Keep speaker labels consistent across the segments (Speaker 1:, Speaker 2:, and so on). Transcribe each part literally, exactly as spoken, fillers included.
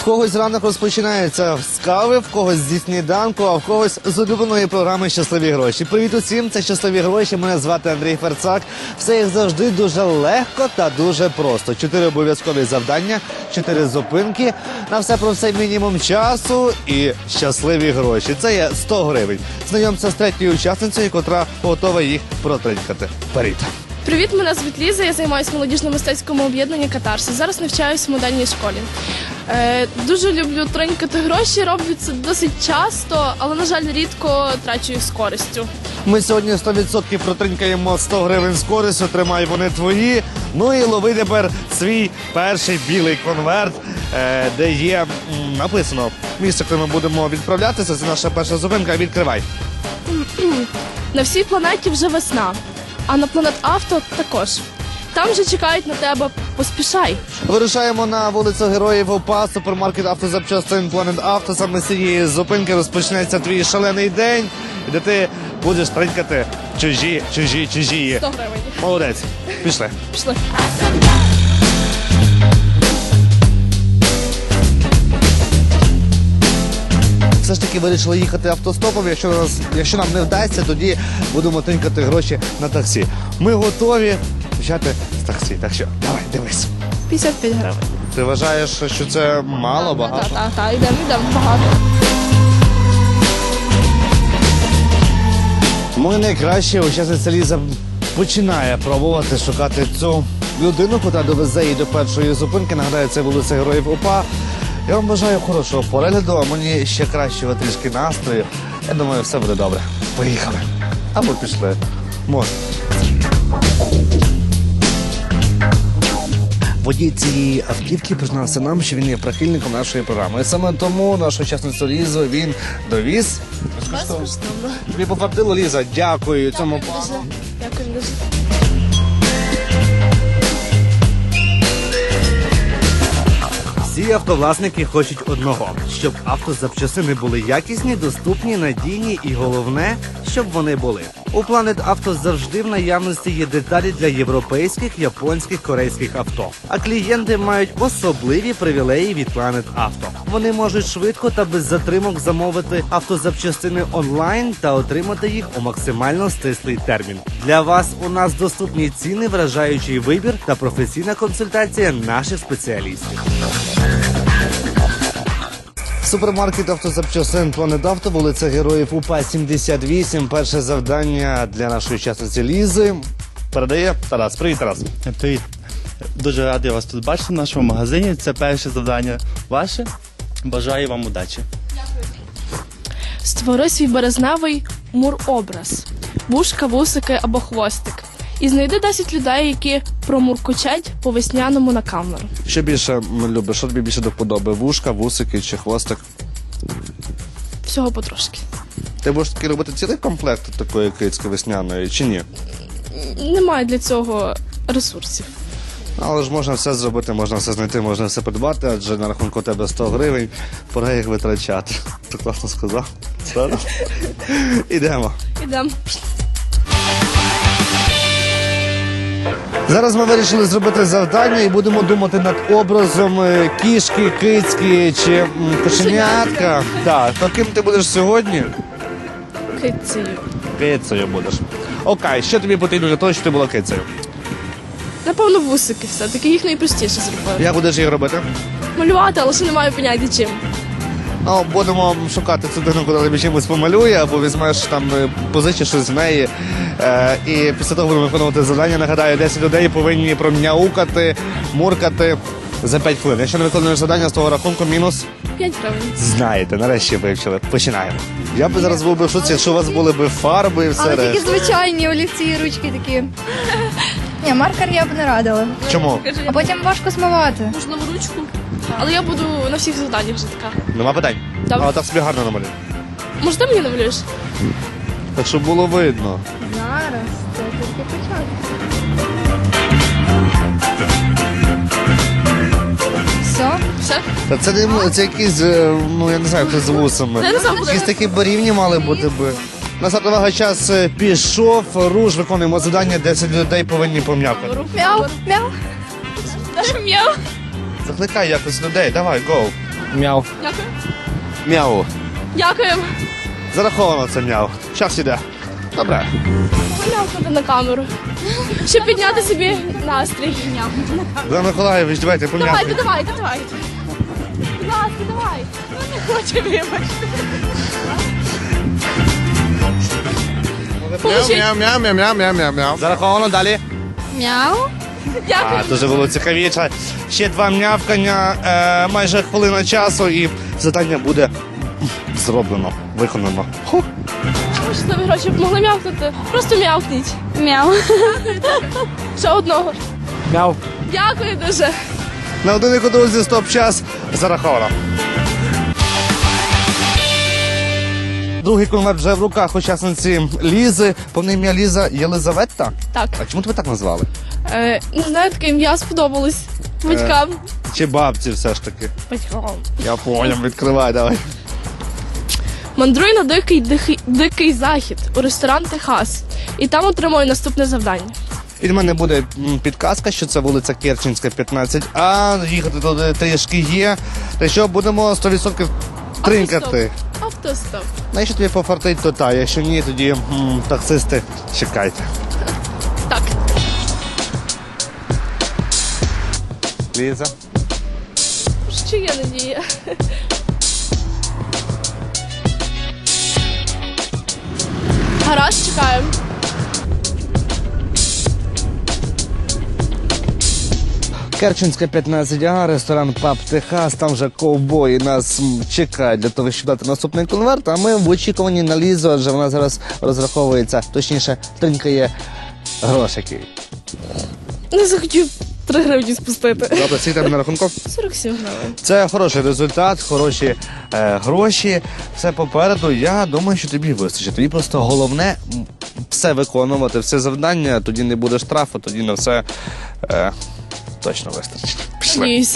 Speaker 1: В когось ранок розпочинається з кави, в когось зі сніданку, а в когось з улюбленої програми «Щасливі гроші». Привіт усім, це «Щасливі гроші», мене звати Андрій Ферцак. Все як завжди дуже легко та дуже просто. Чотири обов'язкові завдання, чотири зупинки, на все про все мінімум часу і щасливі гроші. Це є сто гривень. Знайомся з третьою учасницею, котра готова їх протринькати. Вперед!
Speaker 2: Привіт, мене звуть Ліза, я займаюся в молодіжно-мистецькому об'єднанні «Катарсис». Зараз навчаюсь в модельній школі. Е, дуже люблю тринькати гроші, роблю це досить часто, але, на жаль, рідко трачу їх з користю.
Speaker 1: Ми сьогодні сто відсотків протринькаємо сто гривень з користю, тримай, вони твої. Ну і лови тепер свій перший білий конверт, е, де є м, написано місце, куди ми будемо відправлятися. Це наша перша зупинка. Відкривай.
Speaker 2: На всій планеті вже весна, а на Планет Авто також. Там вже чекають на тебе, поспішай.
Speaker 1: Вирушаємо на вулицю Героїв УПА, супермаркет автозапчастин Планет Авто. Саме з цієї зупинки розпочнеться твій шалений день, де ти будеш тринькати чужі, чужі, чужі.
Speaker 2: сто гривень.
Speaker 1: Молодець. Пішли.
Speaker 2: Пішли.
Speaker 1: Все ж таки вирішили їхати автостопом. Якщо, нас, якщо нам не вдасться, тоді будемо тринькати гроші на таксі. Ми готові почати з таксі. Так що, давай, дивись.
Speaker 2: п'ятдесят п'ять гривень.
Speaker 1: Ти вважаєш, що це мало, багато?
Speaker 2: Так, так, так, йдемо, йдемо, багато.
Speaker 1: Моя найкраща учасниця Ліза починає пробувати шукати цю людину, яка довезе її до першої зупинки. Нагадаю, це вулиця Героїв УПА. Я вам бажаю хорошого перегляду, а мені ще кращого трішки настрою. Я думаю, все буде добре. Поїхали. Або пішли. Може. Водій цієї автівки признався нам, що він є прихильником нашої програми. І саме тому нашу учасницю Лізу він довіз.
Speaker 2: Безкоштовно.
Speaker 1: Тобі пофартило, Ліза. Дякую цьому
Speaker 2: Дякую дуже. Дякую дуже.
Speaker 1: Всі автовласники хочуть одного, щоб автозапчасини були якісні, доступні, надійні і головне, щоб вони були. У Планет Авто завжди в наявності є деталі для європейських, японських, корейських авто. А клієнти мають особливі привілеї від Планет Авто. Вони можуть швидко та без затримок замовити автозапчастини онлайн та отримати їх у максимально стислий термін. Для вас у нас доступні ціни, вражаючий вибір та професійна консультація наших спеціалістів. Супермаркет автозапчастин Планет Авто, вулиця Героїв УПА сімдесят вісім. Перше завдання для нашої учасниці Лізи передає Тарас. Привіт, Тарас.
Speaker 3: Привіт. Дуже радий вас тут бачити в нашому магазині. Це перше завдання ваше. Бажаю вам удачі.
Speaker 2: Створи свій березневий мур-образ. Вушка, вусики або хвостик. І знайди десять людей, які промуркочать по весняному на камеру.
Speaker 1: Що більше любиш? Що тобі більше до вподоби? Вушка, вусики чи хвостик?
Speaker 2: Всього потрошки.
Speaker 1: Ти будеш таки робити цілий комплект такої кицьки весняної чи ні?
Speaker 2: Немає для цього ресурсів.
Speaker 1: Але ж можна все зробити, можна все знайти, можна все придбати, адже на рахунку у тебе сто гривень, пора їх витрачати. Ти класно сказав. Правда? Ідемо.
Speaker 2: Ідемо.
Speaker 1: Зараз ми вирішили зробити завдання і будемо думати над образом е, кішки, кицьки чи м, кошенятка. Так, то ким ти будеш сьогодні?
Speaker 2: Кицею.
Speaker 1: Кицею будеш. Окей, що тобі потрібно для того, щоб ти була кицею?
Speaker 2: Напевно, вусики все-таки, їх найпростіше зробити.
Speaker 1: Як будеш їх робити?
Speaker 2: Малювати, але ще не маю поняття чим.
Speaker 1: Ну, будемо шукати цю дитину, коли тобі чимось помалює, або візьмеш там, е, позичиш щось з неї. Е, і після того будемо виконувати завдання. Нагадаю, десять людей повинні пром'яукати, муркати за п'ять хвилин. Якщо не виконуєш завдання, з того рахунку мінус.
Speaker 2: п'ять гривень.
Speaker 1: Знаєте, нарешті вивчили. Починаємо. Я би зараз був би в шоці, якщо у вас були б фарби і все
Speaker 4: Але тільки
Speaker 1: решта.
Speaker 4: звичайні олівці і ручки такі. Ні, маркер я б не радила.
Speaker 1: Чому?
Speaker 4: А потім важко смивати.
Speaker 2: Можливо, ручку. Але я буду на всіх завданнях вже така.
Speaker 1: Нема питань.
Speaker 2: Добре.
Speaker 1: Але так собі гарно намалюй.
Speaker 2: Може, ти мені намалюєш?
Speaker 1: Так, щоб було видно.
Speaker 4: Зараз, це тільки початок. Все?
Speaker 2: Все?
Speaker 1: Та це не це якісь, е, ну я не знаю, хто з вусами.
Speaker 2: Я не знаю,
Speaker 1: Якісь такі барівні мали бути би. На увага, час е, пішов, руш, виконуємо завдання, десять людей повинні пом'якати.
Speaker 4: Мяу, мяу.
Speaker 2: Даже м'яу.
Speaker 1: Закликай якось людей, давай, гоу. Мяу.
Speaker 2: Дякую.
Speaker 1: Мяу.
Speaker 2: Дякуємо.
Speaker 1: Зараховано це мяу. Час іде. Добре.
Speaker 2: М'явкати на камеру. Щоб підняти собі настрій.
Speaker 1: Богдан Миколаївич, давайте
Speaker 2: Давайте,
Speaker 1: пом'явкайте.
Speaker 2: давайте, давайте. Будь ласка, давай. Ну, не хоче, вибачте. Получить.
Speaker 5: Мяу, мяу, мяу, мяу, мяу, мяу, мяу.
Speaker 1: Зараховано далі.
Speaker 4: Мяу.
Speaker 2: Дякую.
Speaker 1: А, дуже було цікавіше. Ще два м'явкання, е, майже хвилина часу, і завдання буде зроблено, виконано. Ху.
Speaker 2: Може, нові гроші б могли м'явкнути? Просто м'явкніть.
Speaker 4: Мяу.
Speaker 2: Ще одного.
Speaker 1: Мяу.
Speaker 2: Дякую дуже.
Speaker 1: На годиннику, друзі, стоп-час зараховано. Другий конверт вже в руках учасниці Лізи. Повне ім'я Ліза Єлизавета.
Speaker 2: Так.
Speaker 1: А чому тебе так назвали?
Speaker 2: Е, не знаю, таке ім'я сподобалось батькам.
Speaker 1: Чи бабці все ж таки?
Speaker 2: Батькам.
Speaker 1: Я поняв, відкривай, давай.
Speaker 2: Мандруй на дикий, дикий, дикий захід у ресторан Техас. І там отримую наступне завдання.
Speaker 1: Від мене буде м, підказка, що це вулиця Керченська, п'ятнадцять А. Їхати туди трішки є. Та що будемо сто відсотків тринкати.
Speaker 2: Автостоп.
Speaker 1: Ну, якщо тобі пофартить, то та. Якщо ні, тоді м, таксисти, чекайте.
Speaker 2: Так.
Speaker 1: Ліза.
Speaker 2: Що є надія? Гаразд, чекаємо.
Speaker 1: Керченська, п'ятнадцять А, ресторан Паб Техас, там вже ковбої нас м, чекають для того, щоб дати наступний конверт, а ми в очікуванні на Лізу, адже вона зараз розраховується, точніше, тринкає грошики.
Speaker 2: Не захотів три гривні спустити.
Speaker 1: Добре, скільки тебе на рахунку?
Speaker 2: сорок сім гривень.
Speaker 1: Це хороший результат, хороші е, гроші, все попереду. Я думаю, що тобі вистачить. Тобі просто головне м, все виконувати, все завдання, тоді не буде штрафу, тоді на все е, точно вистачить. Пішли.
Speaker 2: Надіюсь.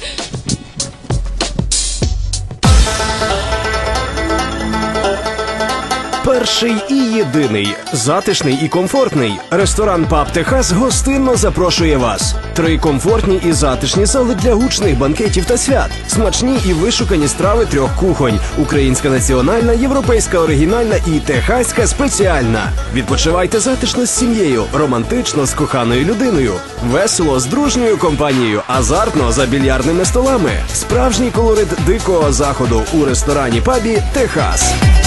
Speaker 6: Перший і єдиний, затишний і комфортний. Ресторан Паб Техас гостинно запрошує вас. Три комфортні і затишні зали для гучних банкетів та свят. Смачні і вишукані страви трьох кухонь. Українська національна, європейська оригінальна і техаська спеціальна. Відпочивайте затишно з сім'єю, романтично з коханою людиною. Весело з дружньою компанією, азартно за більярдними столами. Справжній колорит дикого заходу у ресторані-пабі Техас.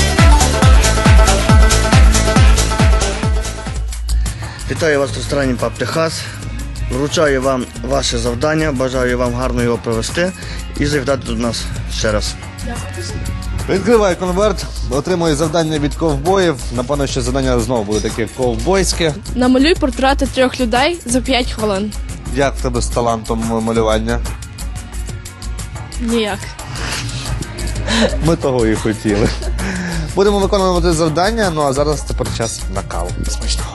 Speaker 7: Вітаю вас в ресторані Паб Техас. Вручаю вам ваше завдання, бажаю вам гарно його провести і завітати до нас ще раз.
Speaker 1: Відкривай конверт, отримує завдання від ковбоїв. Напевно, що завдання знову буде таке ковбойське.
Speaker 2: Намалюй портрети трьох людей за п'ять хвилин.
Speaker 1: Як в тебе з талантом малювання?
Speaker 2: Ніяк.
Speaker 1: Ми того і хотіли. Будемо виконувати завдання, ну а зараз тепер час на каву. Смачного.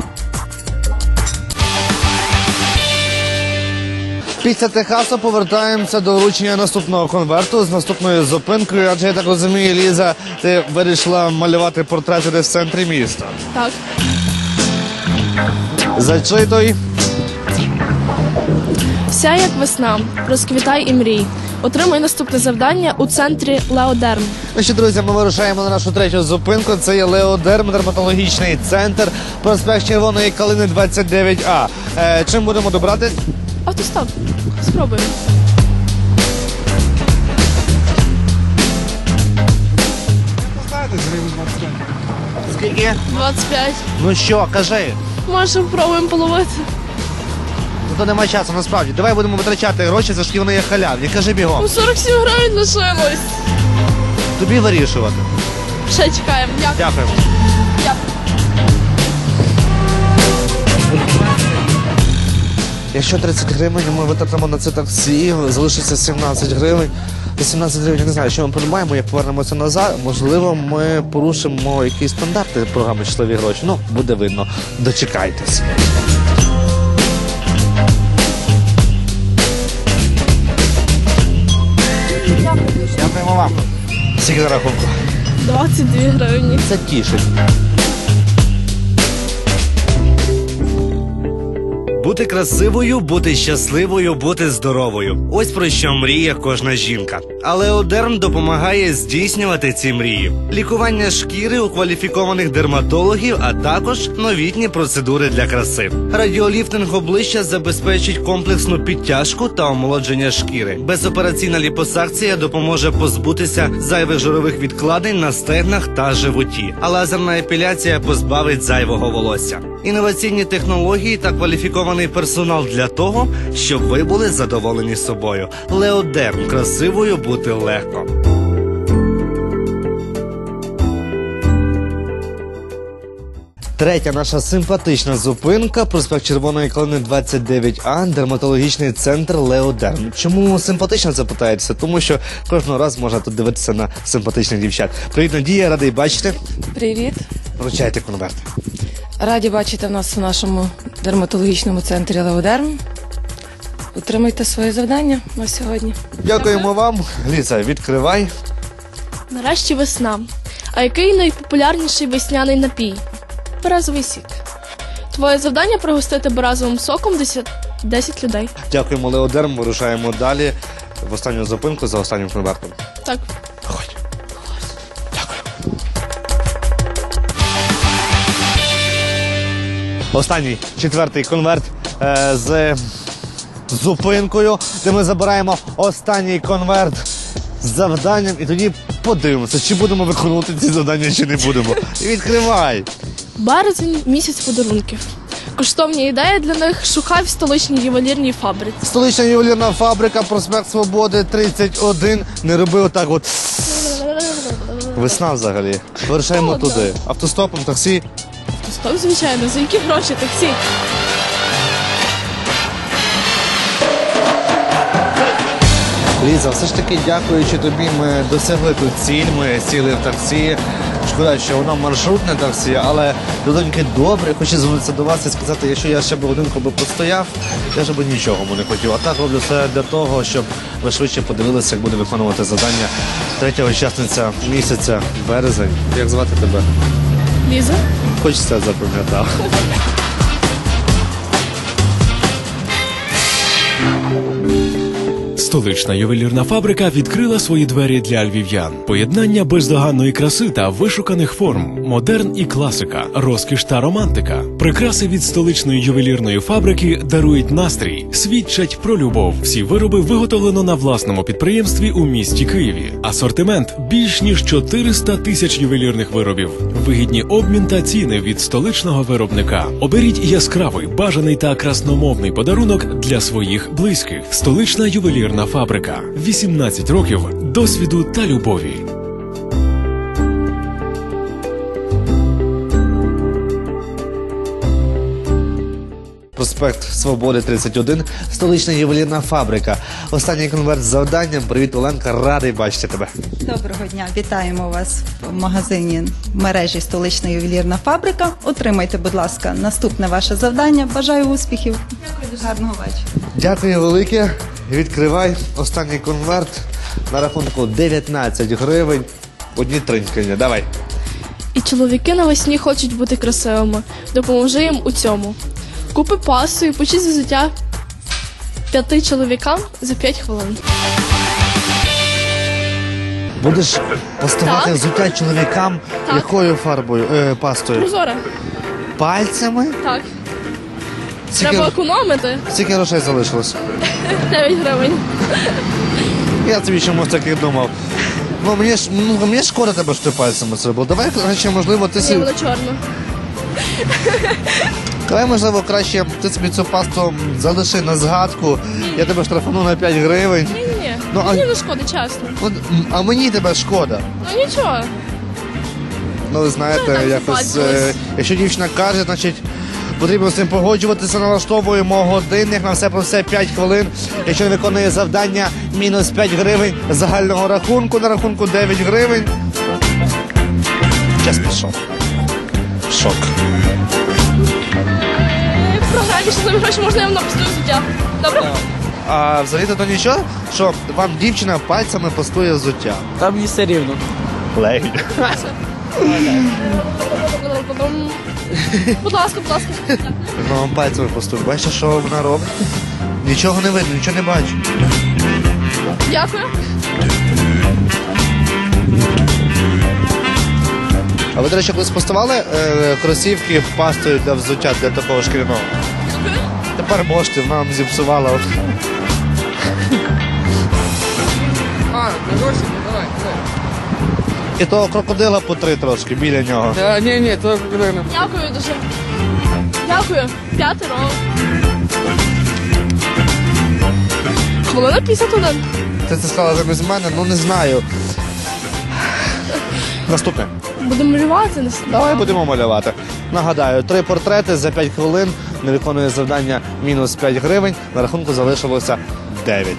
Speaker 1: Після Техасу повертаємося до вручення наступного конверту з наступною зупинкою, адже я так розумію, Ліза, ти вирішила малювати портрети десь в центрі міста.
Speaker 2: Так.
Speaker 1: Зачитуй.
Speaker 2: Вся як весна. Розквітай і мрій. Отримай наступне завдання у центрі Леодерм.
Speaker 1: Ну що, друзі, ми вирушаємо на нашу третю зупинку. Це є Леодерм, дерматологічний центр, проспект Червоної Калини, двадцять дев'ять А. Е, чим будемо добрати?
Speaker 2: Автостоп. Спробуємо.
Speaker 1: Скільки?
Speaker 2: двадцять п'ять.
Speaker 1: Ну що, кажи.
Speaker 2: Може, спробуємо половити.
Speaker 1: Ну то немає часу, насправді. Давай будемо витрачати гроші, за що вони є халявні. Кажи бігом.
Speaker 2: Ну, сорок сім гривень лишилось.
Speaker 1: Тобі вирішувати.
Speaker 2: Ще чекаємо. Дякую.
Speaker 1: Дякуємо.
Speaker 2: Дякую.
Speaker 1: Якщо тридцять гривень ми витратимо на це таксі, залишиться сімнадцять гривень. За сімнадцять гривень я не знаю, що ми придбаємо, як повернемося назад. Можливо, ми порушимо якісь стандарти програми «Щасливі гроші». Ну, буде видно. Дочекайтесь. Дякуємо вам. Скільки на рахунку?
Speaker 2: двадцять дві гривні.
Speaker 1: Це тішить. Бути красивою, бути щасливою, бути здоровою. Ось про що мріє кожна жінка. А Леодерм допомагає здійснювати ці мрії. Лікування шкіри у кваліфікованих дерматологів, а також новітні процедури для краси. Радіоліфтинг обличчя забезпечить комплексну підтяжку та омолодження шкіри. Безопераційна ліпосакція допоможе позбутися зайвих жирових відкладень на стегнах та животі. А лазерна епіляція позбавить зайвого волосся. Інноваційні технології та кваліфікований персонал для того, щоб ви були задоволені собою. Леодерм. Красивою бути легко. Третя наша симпатична зупинка – проспект Червоної Калини двадцять дев'ять А, дерматологічний центр Леодерм. Чому симпатично, запитаєтеся? Тому що кожного разу можна тут дивитися на симпатичних дівчат. Привіт, Надія, радий бачити.
Speaker 5: Привіт.
Speaker 1: Вручайте конверт.
Speaker 5: Раді бачити нас у нашому дерматологічному центрі Леодерм. Отримайте своє завдання на сьогодні.
Speaker 1: Дякуємо вам. Ліза, відкривай.
Speaker 2: Нарешті весна. А який найпопулярніший весняний напій? Березовий сік. Твоє завдання пригостити березовим соком десять людей.
Speaker 1: Дякуємо, Леодерм. Вирушаємо далі в останню зупинку за останнім конвертом.
Speaker 2: Так.
Speaker 1: Ходь. Дякую. Останній, четвертий конверт е, з зупинкою, де ми забираємо останній конверт з завданням і тоді подивимося, чи будемо виконувати ці завдання, чи не будемо. І відкривай.
Speaker 2: Березень – місяць подарунків. Коштовні ідеї для них шукай в столичній ювелірній фабриці.
Speaker 1: Столична ювелірна фабрика, проспект Свободи, тридцять один. Не роби отак от. Весна взагалі. Вирушаємо
Speaker 2: Холодно.
Speaker 1: туди. Автостопом, таксі.
Speaker 2: Стоп, звичайно, за які гроші таксі?
Speaker 1: Ліза, все ж таки, дякуючи тобі, ми досягли тут ціль, ми сіли в таксі. Шкода, що воно маршрутне таксі, але людоньки добре, хочу звернутися до вас і сказати, якщо я ще б годинку би постояв, я вже б нічого б не хотів. А так роблю все для того, щоб ви швидше подивилися, як буде виконувати завдання третя учасниця місяця, березень. Як звати тебе?
Speaker 2: Ліза?
Speaker 1: Хочеться запам'ятав.
Speaker 8: Столична ювелірна фабрика відкрила свої двері для львів'ян. Поєднання бездоганної краси та вишуканих форм, модерн і класика, розкіш та романтика. Прикраси від столичної ювелірної фабрики дарують настрій, свідчать про любов. Всі вироби виготовлено на власному підприємстві у місті Києві. Асортимент більш ніж чотириста тисяч ювелірних виробів. Вигідні обмін та ціни від столичного виробника. Оберіть яскравий, бажаний та красномовний подарунок для своїх близьких. Столична ювелірна фабрика. вісімнадцять років досвіду та любові.
Speaker 1: Проспект Свободи, тридцять один, столична ювелірна фабрика. Останній конверт з завданням. Привіт, Оленка, радий бачити тебе.
Speaker 9: Доброго дня, вітаємо вас в магазині мережі «Столична ювелірна фабрика». Отримайте, будь ласка, наступне ваше завдання. Бажаю успіхів. Дякую, гарного вечора.
Speaker 1: Дякую велике. Відкривай останній конверт на рахунку дев'ятнадцять гривень. Одні тринькання. Давай.
Speaker 2: І чоловіки навесні хочуть бути красивими. Допоможи їм у цьому. Купи пасу і почись взуття п'яти чоловікам за п'ять хвилин.
Speaker 1: Будеш пастувати
Speaker 2: Так.
Speaker 1: взуття чоловікам
Speaker 2: Так.
Speaker 1: якою фарбою, е, пастою?
Speaker 2: Прозоре.
Speaker 1: Пальцями?
Speaker 2: Так.
Speaker 1: Скільки,
Speaker 2: Треба економити.
Speaker 1: скільки грошей залишилось?
Speaker 2: дев'ять гривень.
Speaker 1: Я тобі чомусь таких думав. Ну, мені ж, ну, мені шкода тебе, що ти пальцями це робив. Давай, краще, можливо, ти
Speaker 2: Ні,
Speaker 1: собі...
Speaker 2: вона чорна.
Speaker 1: Давай, можливо, краще ти собі цю пасту залиши на згадку. Я тебе штрафану на п'ять гривень.
Speaker 2: Ні-ні-ні.
Speaker 1: Ну, а-
Speaker 2: Мені не шкода, чесно.
Speaker 1: От, м, а мені тебе шкода.
Speaker 2: Ну нічого.
Speaker 1: Ну, ви
Speaker 2: Ну,
Speaker 1: знаєте,
Speaker 2: так
Speaker 1: якось,
Speaker 2: западлось.
Speaker 1: е, якщо дівчина каже, значить потрібно з цим погоджуватися, налаштовуємо годинник на все про все п'ять хвилин. Якщо не виконує завдання, мінус п'ять гривень загального рахунку, на рахунку дев'ять гривень. Час пішов. Шок.
Speaker 2: Програмі, що за гроші можна їм напустити взуття. Добре?
Speaker 1: А взагалі-то то нічого, що вам дівчина пальцями пастує взуття.
Speaker 10: Там мені все рівно.
Speaker 1: Легінь.
Speaker 2: Будь ласка, будь ласка.
Speaker 1: Вам пальцями поступ. Бачите, що вона робить? Нічого не видно, нічого не бачу.
Speaker 2: Дякую.
Speaker 1: А ви, до речі, колись поставали е, кросівки пастою для взуття для такого шкіряного? Тепер можете, вона вам зіпсувала.
Speaker 10: А, гроші, давай, давай.
Speaker 1: І того крокодила по три трошки біля нього.
Speaker 10: Да, ні, ні, то не.
Speaker 2: Дякую дуже. Дякую. П'ятеро. Хвилина п'ятдесят один.
Speaker 1: Ти це сказала замість мене, ну не знаю. Наступне.
Speaker 2: Будемо малювати.
Speaker 1: Давай будемо малювати. Нагадаю, три портрети за п'ять хвилин, не виконує завдання мінус п'ять гривень, на рахунку залишилося дев'ять.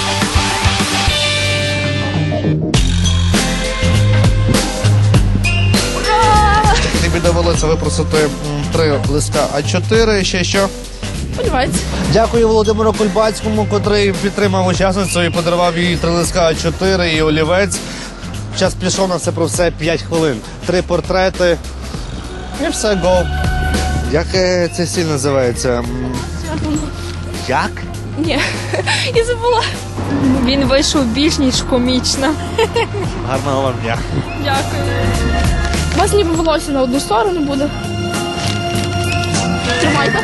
Speaker 1: Тобі довелося випросити м, три листка А чотири, ще що?
Speaker 2: Сподівається.
Speaker 1: Дякую Володимиру Кульбацькому, котрий підтримав учасницю і подарував їй три листка А чотири і олівець. Час пішов на все про все п'ять хвилин. Три портрети і все, го. Як е, цей стиль називається? М, Як?
Speaker 2: Ні, я забула.
Speaker 11: Він вийшов більш ніж комічно.
Speaker 1: Гарного вам дня.
Speaker 2: Дякую. У вас ніби волосся на одну сторону буде. Тримайте.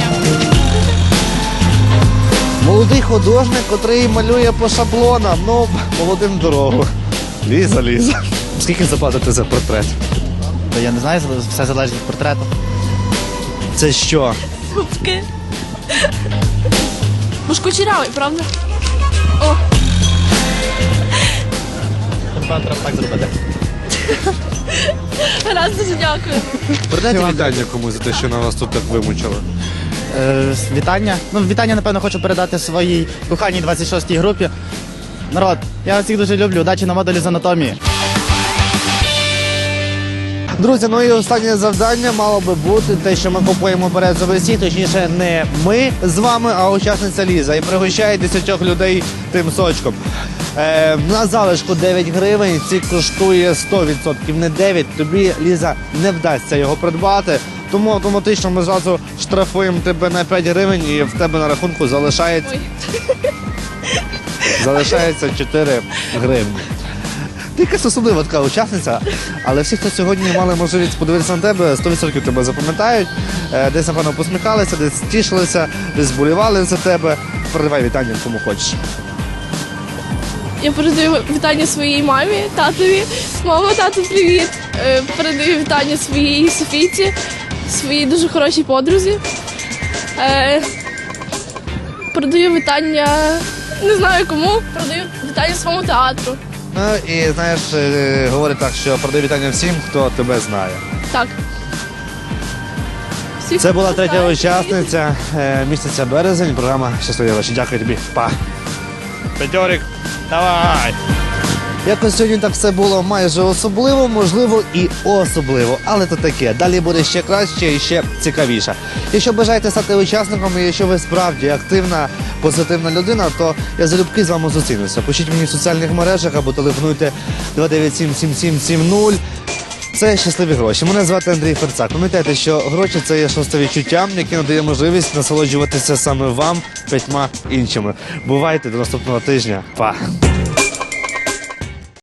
Speaker 1: Молодий художник, котрий малює по шаблонам. Ну, молодим дорогу. Ліза, Ліза. Скільки заплатите за портрет?
Speaker 3: Я не знаю, все залежить від портрету.
Speaker 1: Це що?
Speaker 2: Губки. Бо ж кучерявий, правда? О,
Speaker 3: Треба так зробити.
Speaker 2: гаразд, дуже дякую.
Speaker 1: Передайте вітання комусь за те, що на вас тут так вимучили.
Speaker 3: Е, вітання. Ну, вітання, напевно, хочу передати своїй коханій двадцять шостій групі. Народ, я вас всіх дуже люблю. Удачі на модулі з анатомії.
Speaker 1: Друзі, ну і останнє завдання мало би бути те, що ми купуємо березовий сік, точніше не ми з вами, а учасниця Ліза. І пригощає десятьох людей тим сочком. Е, на залишку дев'ять гривень, сік коштує сто відсотків, не дев'ять. Тобі, Ліза, не вдасться його придбати. Тому автоматично ми зразу штрафуємо тебе на п'ять гривень і в тебе на рахунку залишається,
Speaker 2: Ой.
Speaker 1: залишається чотири гривні. Ти якась особлива така учасниця, але всі, хто сьогодні мали можливість подивитися на тебе, сто відсотків тебе запам'ятають. Е, Десь, напевно, посміхалися, десь тішилися, десь болівали за тебе. Передавай вітання кому хочеш.
Speaker 2: Я передаю вітання своїй мамі, татові. Мама, тату, привіт. Е, Передаю вітання своїй Софійці, своїй дуже хорошій подрузі. Е, Передаю вітання, не знаю кому, передаю вітання своєму театру.
Speaker 1: Ну і знаєш, е, говорить так, що передай вітання всім, хто тебе знає.
Speaker 2: Так. Всіх
Speaker 1: Це була третя
Speaker 2: вітаю.
Speaker 1: учасниця е, місяця березень, програма «Щасливі гроші». Дякую тобі. Па. П'ятьорик, давай! Якось сьогодні так все було майже особливо, можливо і особливо, але то таке. Далі буде ще краще і ще цікавіше. Якщо бажаєте стати учасником, і якщо ви справді активна, позитивна людина, то я залюбки з вами зустрінуся. Пишіть мені в соціальних мережах або телефонуйте два дев'ять сім сім сім сім нуль. Це «Щасливі гроші». Мене звати Андрій Ферцак. Пам'ятайте, що гроші – це є шосте відчуття, яке надає можливість насолоджуватися саме вам п'ятьма іншими. Бувайте до наступного тижня. Па!